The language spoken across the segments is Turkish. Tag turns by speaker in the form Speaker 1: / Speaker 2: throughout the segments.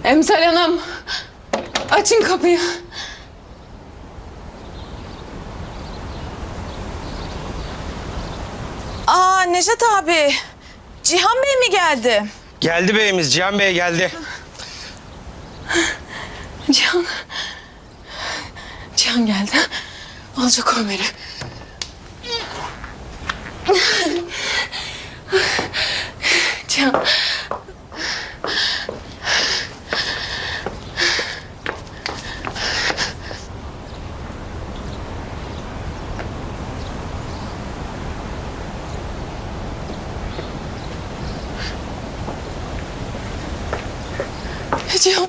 Speaker 1: Emsal Hanım, açın kapıyı.
Speaker 2: Aa Nejat abi, Cihan Bey mi geldi?
Speaker 3: Geldi beyimiz, Cihan Bey geldi.
Speaker 1: Cihan. Cihan geldi. Alacak Ömer'i. Cihan. Cihan.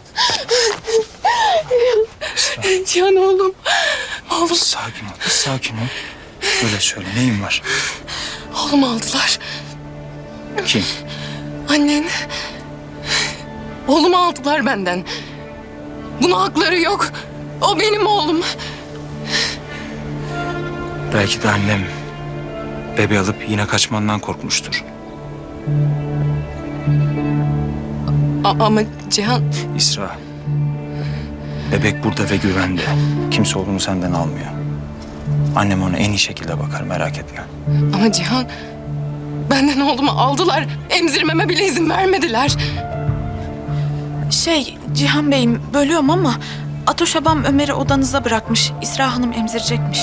Speaker 1: Cihan oğlum. Oğlum.
Speaker 4: Sakin ol, sakin ol. Böyle söyle, neyin var?
Speaker 1: Oğlumu aldılar.
Speaker 4: Kim?
Speaker 1: Annen. Oğlumu aldılar benden. Buna hakları yok. O benim oğlum.
Speaker 4: Belki de annem bebeği alıp yine kaçmandan korkmuştur.
Speaker 1: Ama Cihan...
Speaker 4: İsra, bebek burada ve güvende. Kimse oğlunu senden almıyor. Annem ona en iyi şekilde bakar, merak etme.
Speaker 1: Ama Cihan... Benden oğlumu aldılar. Emzirmeme bile izin vermediler.
Speaker 2: Cihan Bey'im bölüyorum ama Atoş abam Ömer'i odanıza bırakmış. İsra Hanım emzirecekmiş.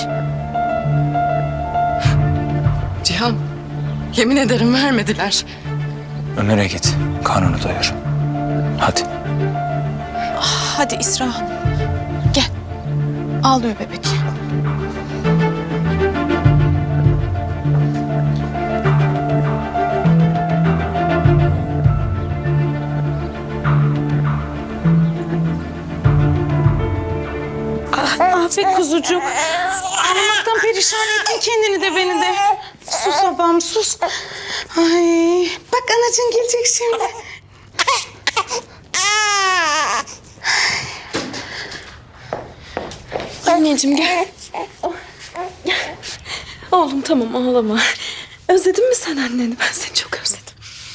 Speaker 1: Cihan, yemin ederim vermediler.
Speaker 4: Ömer'e git, karnını doyur. Hadi.
Speaker 2: Hadi İsra Hanım, gel. Ağlıyor bebek. Be kuzucuk. Ağlamaktan perişan ettin kendini de beni de. Sus babam sus. Ay, bak anacığın gelecek şimdi.
Speaker 1: Anneciğim gel. Oğlum tamam ağlama. Özledin mi sen anneni? Ben seni çok özledim.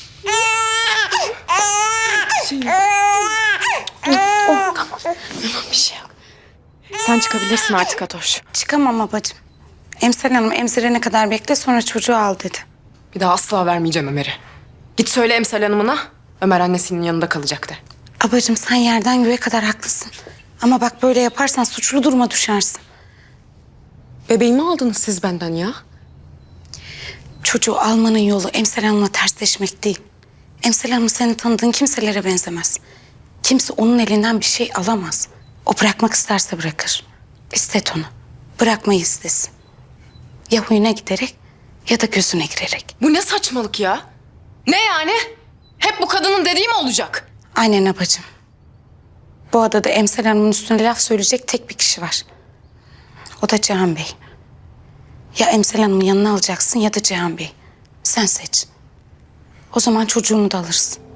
Speaker 1: Tamam bir şey yok. Sen çıkabilirsin artık Atoş.
Speaker 5: Çıkamam babacığım. Emsal Hanım emzirene kadar bekle, sonra çocuğu al dedi.
Speaker 1: Bir daha asla vermeyeceğim Ömer'i. Git söyle Emsal Hanım'ına. Ömer annesinin yanında kalacak de.
Speaker 5: Abacığım sen yerden göğe kadar haklısın. Ama bak böyle yaparsan suçlu duruma düşersin.
Speaker 1: Bebeğimi aldınız siz benden ya.
Speaker 5: Çocuğu almanın yolu Emsal Hanım'la tersleşmek değil. Emsal Hanım senin tanıdığın kimselere benzemez. Kimse onun elinden bir şey alamaz. O bırakmak isterse bırakır. İstet onu. Bırakmayı istesin. Ya huyuna giderek ya da gözüne girerek.
Speaker 1: Bu ne saçmalık ya? Ne yani? Hep bu kadının dediği mi olacak?
Speaker 5: Aynen abacığım. Bu adada Emsal Hanım'ın üstüne laf söyleyecek tek bir kişi var. O da Cihan Bey. Ya Emsal Hanım'ın yanına alacaksın ya da Cihan Bey. Sen seç. O zaman çocuğunu da alırsın.